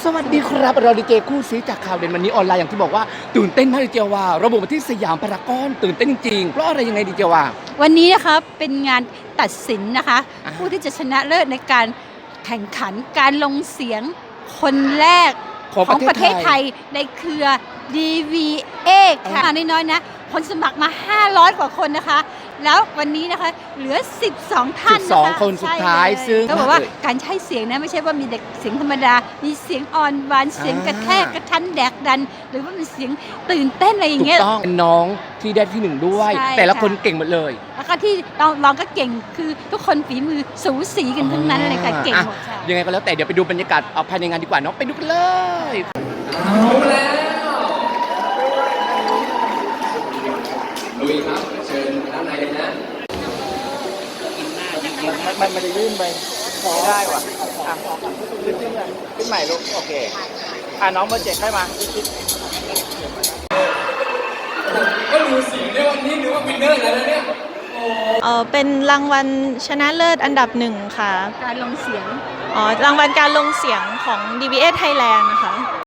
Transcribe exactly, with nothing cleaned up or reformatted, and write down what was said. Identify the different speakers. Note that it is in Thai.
Speaker 1: สวัสดีครับเราดีเจคู่ซีจากข่าวเด่นวันนี้ออนไลน์อย่างที่บอกว่าตื่นเต้นมากดีเจว่าระบุมาที่สยามพารากอนตื่นเต้นจริงๆเพราะอะไรยังไงดีเจว่า
Speaker 2: วันนี้นะคะเป็นงานตัดสินนะคะ
Speaker 1: อ่า
Speaker 2: ผู้ที่จะชนะเลิศในการแข่งขันการลงเสียงคนแรก
Speaker 1: ของ
Speaker 2: ของ
Speaker 1: ป
Speaker 2: ประ ระ
Speaker 1: เท
Speaker 2: เท
Speaker 1: ศ
Speaker 2: ศ
Speaker 1: ไท
Speaker 2: ไท
Speaker 1: ย
Speaker 2: ยในเครือ ดี วี เอ ค่ะน้อยๆนะคนสมัครมา ห้าร้อย กว่าคนนะคะ แล้ววันนี้นะคะเหลือ สิบสอง ท่านนะคะ
Speaker 1: สิบสองคนสุดท้าย
Speaker 2: ใช่เลย
Speaker 1: ซึ่ง
Speaker 2: ต้องบอกว่าการใช้เสียงนะไม่ใช่ว่ามีเด็กเสียงธรรมดา มีเสียงอ่อนหวานเสียงกระแทกกระทันแดกดัน หรือว่าเป็นเสียงตื่นเต้นอะไรอย่า
Speaker 1: ถู
Speaker 2: ง
Speaker 1: ก
Speaker 2: เงี้ย
Speaker 1: ต้องเป็นน้องที่ได้ที่หนึ่งด้วย
Speaker 2: ใช่
Speaker 1: แต่ละ
Speaker 2: ค่ะ
Speaker 1: คนเก่งหมดเลย
Speaker 2: แล้วก็ที่ลองลองก็เก่งคือทุกคนฝีมือสูสีกันทั้งนั้นเลยค่ะเก่งหมด
Speaker 1: อ่ะ
Speaker 2: ค่ะ
Speaker 1: ยังไงก็แล้วแต่เดี๋ยวไปดูบรรยากาศเอาภายในงานดีกว่าเนาะไปดูกันเลยลุยครับเชิญด้านในเลยนะมันมันมันจะยื่นไปไม่ได้ว่ะอ่ะขึ้นขึ้นขึ้นใหม่ลูกโอเคอ่ะน้องเบอร์เจ็ดให้มาก็ดูเสียงได้วันนี้นึกว่าวินเนอร์แล้วนะเนี่ย
Speaker 3: เออเป็นรางวัลชนะเลิศอันดับหนึ่งค่ะ
Speaker 2: การลงเสียง
Speaker 3: อ๋อ รางวัลการลงเสียงของ ดี บี เอ Thailand นะคะ